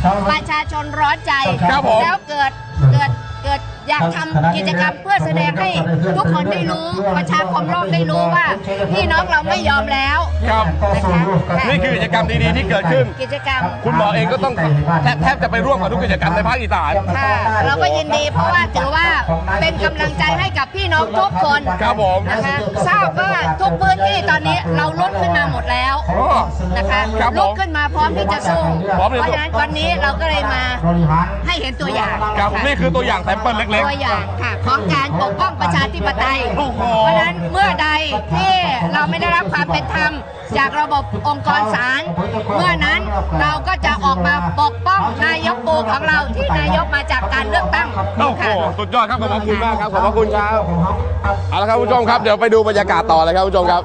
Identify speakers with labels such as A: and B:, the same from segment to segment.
A: ประชาชนร้อนใจแล้วเกิดอยากทำกิจกรรมเพื่อแสดงให้ทุกคนได้รู้ประชาคมโลกได้รู้ว่าพี่น้องเราไม่ยอมแล้วนะคะ
B: นี่คือกิจกรรมดีๆที่เกิดขึ้น
A: กิจกรรม
B: คุณหมอเองก็ต้องแทบจะไปร่วมกับทุกกิจกรรมในภาคอีสาน
A: ค่ะเราก็ยินดีเพราะว่าถือว่าเป็นกำลังใจให้กับพี่น้องทุกคนนะคะทราบว่าทุกพื้นที่ตอนนี้เราลุกขึ้นมาหมดแล้วนะคะลุกขึ้นมาพร้อมที่จะสู้เพราะฉะนั้นวันนี้เราก็เลยมาให้เห็นตัวอย่าง
B: นี่คือตัวอย่างแซมเปิลเล็กๆ
A: ตัวอย่างค่ะของการปกป้องประชาธิปไตยเพราะฉะนั้นเมื่อใดที่เราไม่ได้รับความเป็นธรรมจากระบบองค์กรศาลเมื่อนั้นเราก็จะออกมาปกป้องนายกปูของเราที่นายกมาจากการเลือกตั้ง
B: ค่ะสุดยอดครับขอบคุณมากครับขอบพระคุณครับเอาละครับผู้ชมครับเดี๋ยวไปดูบรรยากาศต่อเลยครับผู้ชมครับ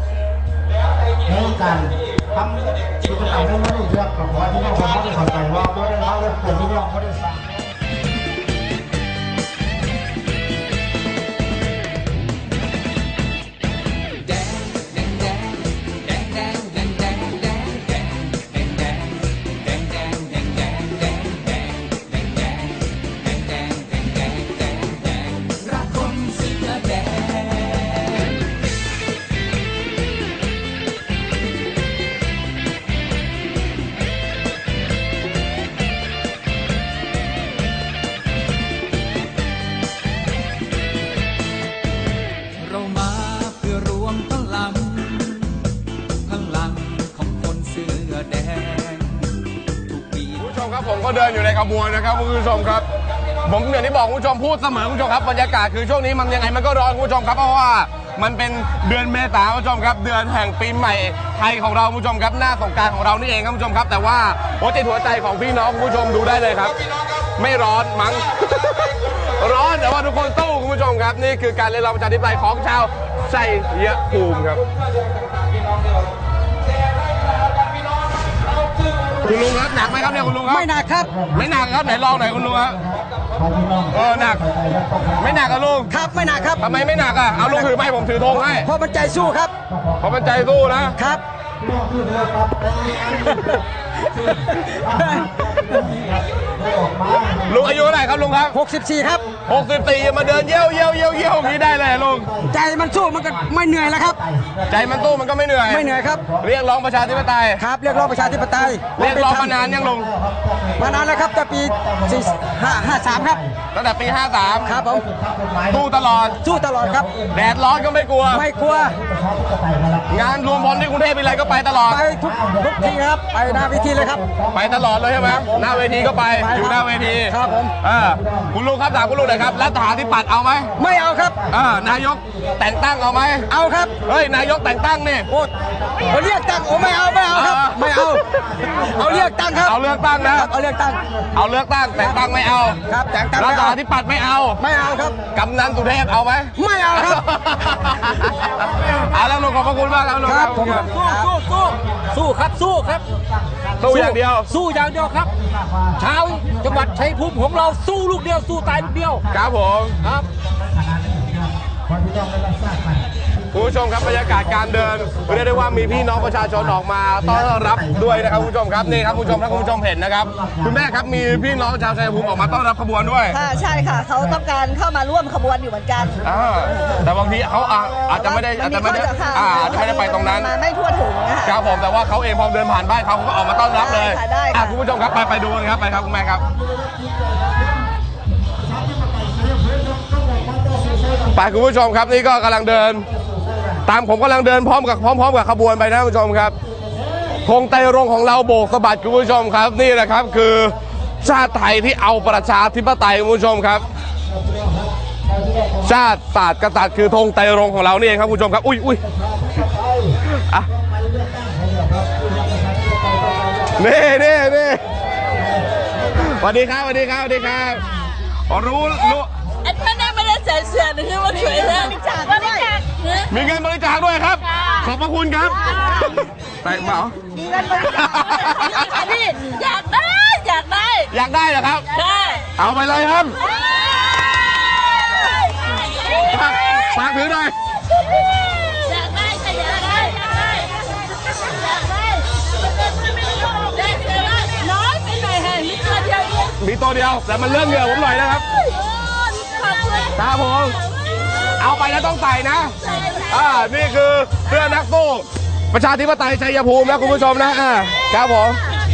C: การทำกิจกรรมให้ไม่ได้เลือกกับว่าที่น้องเขาไม่ได้เข้าใจว่าไม่ได้เลือกคนที่น้องเขาได้สั่ง
B: ผมก็เดินอยู่ในขบวนนะครับคุณผู้ชมครับผมอย่างที่บอกคุณผู้ชมพูดเสมอคุณผู้ชมครับบรรยากาศคือช่วงนี้มันยังไงมันก็ร้อนคุณผู้ชมครับเพราะว่ามันเป็นเดือนเมษายนคุณผู้ชมครับเดือนแห่งปีใหม่ไทยของเราคุณผู้ชมครับหน้าสงกรานต์ของเรานี่เองครับคุณผู้ชมครับแต่ว่าหัวใจของพี่น้องคุณผู้ชมดูได้เลยครับไม่ร้อนมั้ง ร้อนแต่ว่าทุกคนสู้คุณผู้ชมครับนี่คือการเรียนรู้ประชาธิปไตยของชาวชัยภูมิครับคุณลุงครับหนักไหมครับเนี่ยคุณลุงครับ
D: ไม่หนักครับ
B: ไม่หนักครับไหนลองหน่อยคุณลุงครับหนักไม่หนักอะลุง
D: ครับไม่หนักครับ
B: ทำไมไม่หนักอะเอาลุงถือไม้ผมถือธงให้
D: เพราะมันใจสู้ครับ
B: เพราะมันใจสู้นะครับลุงอายุเท่าไหร่ครับลุงครับ
D: 64ครับ
B: 64มาเดินเยี่ยวอย่างนี้ได้เลยลุง
D: ใจมันสู้มันก็ไม่เหนื่อยแล้วครับ
B: ใจมันสู้มันก็ไม่เหนื่อย
D: ครับ
B: เรียกร้องประชาธิปไตย
D: ครับเรียกร้องประชาธิปไตย
B: เรียกร้องมานานยังลุง
D: มานานแล้วครับแต่ปี53ครับ
B: ตั้งแต่ปี53
D: ครับผม
B: สู้ตลอด
D: ครับ
B: แดดร้อนก็ไม่กลัวงานรวมพลที่กรุงเทพมีอะไรก็ไปตลอด
D: ไปทุกทีครับไปหน้าเวทีเลยครับ
B: ไปตลอดเลยใช่ไหมหน้าเวทีก็ไปอยู่หน้าเวที
D: ครับผม
B: คุณลุงครับถามคุณลุงหน่อยครับรัฐาธิปัตย์เอาไหม
D: ไม่เอาครับ
B: นายกแต่งตั้งเอาไหม
D: เอาครับ
B: เฮ้ยนายกแต่งตั้งนี่
D: โอ้เรียกตั้งไม่เอาครับไม่เอาเรียกตั้งครับ
B: เอาเลือกตั้งนะ
D: เอาเลือกตั้ง
B: แต่งตั้งไม่เอา
D: ครับแต่งตั้ง
B: รัฐาธิปัตย์ไม่เอา
D: ครับ
B: กำนันสุเทพเอาไหม
D: ไม่เอาครับ
B: แล้วลุงขอบพระคุณมากครับลุงครับ
D: สู้ครับ
B: สู้อย่างเดียว
D: ครับชาวจังหวัดชัยภูมิของเราสู้ลูกเดียวสู้ตายลูกเดียว
B: ครับผม
D: ครับ
B: คุณผู้ชมครับบรรยากาศการเดินเรียกได้ว่ามีพี่น้องประชาชนออกมาต้อนรับด้วยนะครับคุณผู้ชมครับนี่ครับคุณผู้ชมถ้าคุณผู้ชมเห็นนะครับคุณแม่ครับมีพี่น้องชาวชัยภูมิออกมาต้อนรับขบวนด้วย
E: ค่ะใช่ค่ะเขาต้องการเข้ามาร่วมขบวนอยู่เหมือนกัน
B: แต่บางทีเขาอาจจะไม่ได้ไปตรงนั้น
E: ไม่ทั่วถึง
B: ครับผมแต่ว่าเขาเองพอเดินผ่านบ้านเขาก็ออกมาต้อนรับเลยคุณผู้ชมครับไปดูกันครับไปครับคุณแม่ครับไปคุณผู้ชมครับนี่ก็กำลังเดินตามผมกำลังเดินพร้อมกับขบวนไปนะคุณผู้ชมครับธงไตรรงค์ของเราโบกสะบัดคุณผู้ชมครับนี่แหละครับคือชาติไทยที่เอาประชาธิปไตยคุณผู้ชมครับชาติศาสตร์กษัตริย์คือธงไตรรงค์ของเรานี่เองครับคุณผู้ชมครับอุ้ยนี่สวัสดีครับรู้
E: ไอ้ท่านไม่ได้ใส่เสื้อหรือว่าสวยเลย
B: มีเงินบริจาคด้วยครับขอบพระคุณครับแต่เปล่า
E: มีเงินบริจาคพี่อยากได้
B: เหรอครับ
E: ใช่
B: เอาไปเลยครับฝากถือหน่อย
E: อยากได้น้อยไปหน่อยให้
B: มีตัวเดียวแต่มันเลื่อนเหงื่อผมหน่อยนะครับ
E: ขอบคุณ
B: ครับผมเอาไปแล้วต้องใส่นะนี่คือเสื้อนักสู้ประชาธิปไตยชัยภูมินะคุณผู้ชมนะครับผม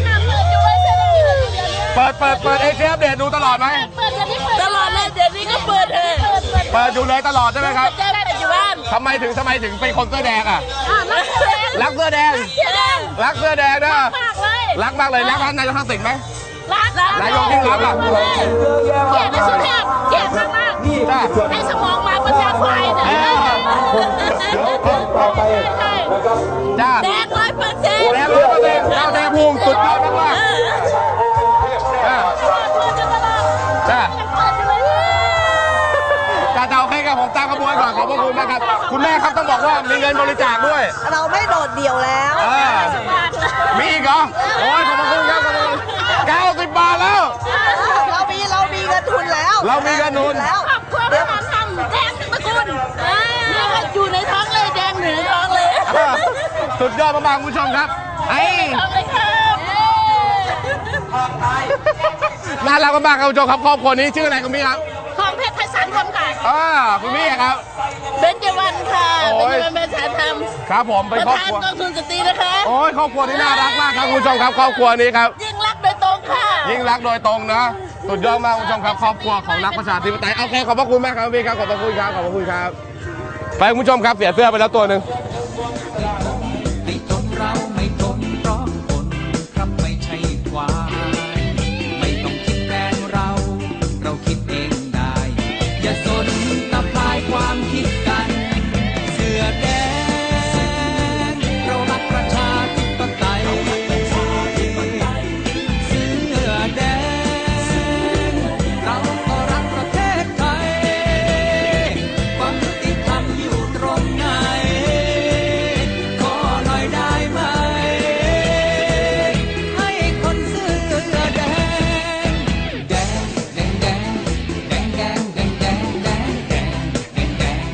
B: เปิดเอเชียอัปเดตดูตลอดไหม
E: ตลอดเลยเดี๋ยวนี้ก็เปิดเลย
B: เปิดอยู่เลยตลอดใช่ไหมครับ
E: แจ้งแต่อยู่บ้าน
B: ทำไมถึงเป็นคนเสื้อแดงรักเสื้อแดง รักเสื้อแดงนะ
E: มากเลย
B: รักมากเลยรักนายกทักษิณไหม
E: รัก
B: นายกยิ่งรักอ่ะ
E: เกลียดในสุเทพเกลียดมาก
B: จ้า
E: ให้สมองมาประชาควายเนี่ย
C: ต่อไป
B: จ้า
E: แดง100%
B: แดง100%เจ้าแดงภูมิสุดยอดมากจ้าจ้าโอเคครับผมตามขบวนก่อนขอบพระคุณมากครับคุณแม่ครับต้องบอกว่ามีเงินบริจาคด้วย
F: เราไม่โดดเดี่ยวแล้ว
B: มีอีกเหรอโอ้ยขอบพระคุณครับขอบคุณ90 บาทแล้ว
F: เรามีเงินทุนแล้ว
B: เรามีเงินทุน
F: แล้ว
E: ครอบครัวประธานทำแดงตระกูลนี่ก็อยู่ในท้องเลยแดงเหนือท้องเลย
B: สุดยอดมากๆคุณผู้ชมครับไอ้
E: ท้องเลยครับ
B: น่ารักมากๆครับคุณผู้ชมครับครอบครัวนี้ชื่ออะไรคุณพี่ครับ
E: ของเพชรไทยสารรวมค่ะ
B: คุณพี่ครับ
E: เบญจวรรณค่ะ
B: โอ้
E: เบญ
B: ย
E: จวรรณเป็นสารธรรม
B: ครับผม
E: ป
B: เป็น
E: ระ
B: ครอบ
E: ธาน
B: ครัว
E: กองทุนสตรีนะคะ
B: โอ้ยครอบครัวนี้น่ารักมากครับคุณผู้ชมครับครอบครัวนี้ครับ
E: ยิ่งรักโดยตรงค่ะ
B: ยิ่งรักโดยตรงนะสุดยอดมากคุณผู้ชมครับครอบครัวของนักประชาธิปไตยโอเคขอบพระคุณมากครับพี่ครับขอบพระคุณครับขอบพระคุณครับไปคุณผู้ชมครับเสียเสื้อไปแล้วตัวหนึ่ง
G: ไม่ทนเราไม่ทนเพราะคนครับไม่ใช่ควายไม่ต้องคิดแทนเราคิดเองได้ อย่าสนตะพายความคิดกัน เสื้อแดงเรารักประชาธิปไตยเสื้อแดงเราก็รักประเทศไทยความยุติธรรมอยู่ตรงไหน ขอหน่อยได้ไหม ให้คนเสื้อแดงแดงแดงแดงแดงแดงแดงแดงแดงแดงแดงแดง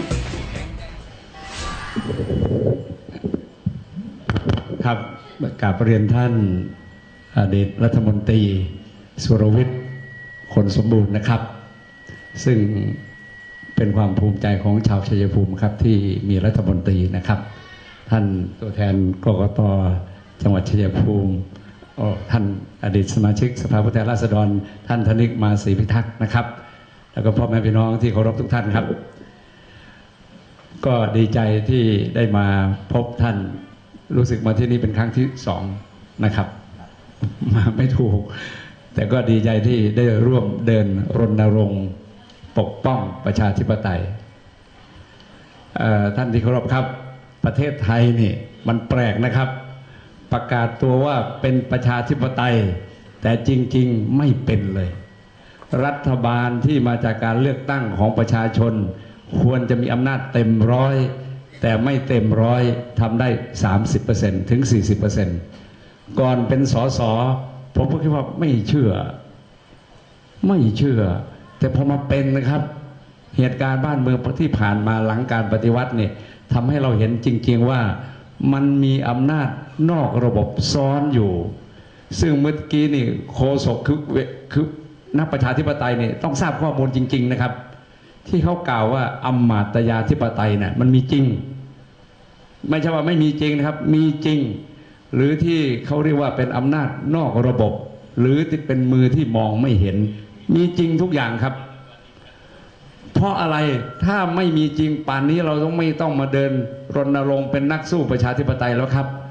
H: ครับกราบเรียนท่านอดีตรัฐมนตรีสุรวิทย์คนสมบูรณ์นะครับ ซึ่งเป็นความภูมิใจของชาวชัยภูมิครับที่มีรัฐมนตรีนะครับ ท่านตัวแทนกกต.จังหวัดชัยภูมิท่านอดีตสมาชิกสภาผู้แทนราษฎรท่านธนิกมาศรีพิทักษ์นะครับ แล้วก็พ่อแม่พี่น้องที่เคารพทุกท่านครับ ก็ดีใจที่ได้มาพบท่านรู้สึกมาที่นี่เป็นครั้งที่2นะครับ มาไม่ถูก แต่ก็ดีใจที่ได้ร่วมเดินรณรงค์ปกป้องประชาธิปไตยท่านที่เคารพครับประเทศไทยนี่มันแปลกนะครับ ประกาศตัวว่าเป็นประชาธิปไตยแต่จริงๆไม่เป็นเลย รัฐบาลที่มาจากการเลือกตั้งของประชาชนควรจะมีอำนาจเต็มร้อยแต่ไม่เต็มร้อยทำได้ 30% ถึง 40%ก่อนเป็นสสผมก็คิดว่าไม่เชื่อ แต่พอมาเป็นนะครับเหตุการณ์บ้านเมืองที่ผ่านมาหลังการปฏิวัติเนี่ยทำให้เราเห็นจริงๆว่ามันมีอำนาจนอกระบบซ้อนอยู่ ซึ่งเมื่อกี้นี่โฆษกคือนักประชาธิปไตยเนี่ยต้องทราบข้อมูลจริงๆนะครับที่เขากล่าวว่าอำมาตยาธิปไตยเนี่ยมันมีจริงไม่ใช่ว่าไม่มีจริงนะครับมีจริงหรือที่เขาเรียกว่าเป็นอำนาจนอกระบบ หรือที่เป็นมือที่มองไม่เห็นมีจริงทุกอย่างครับเพราะอะไรถ้าไม่มีจริงป่านนี้เราไม่ต้องมาเดินรณรงค์เป็นนักสู้ประชาธิปไตยแล้วครับ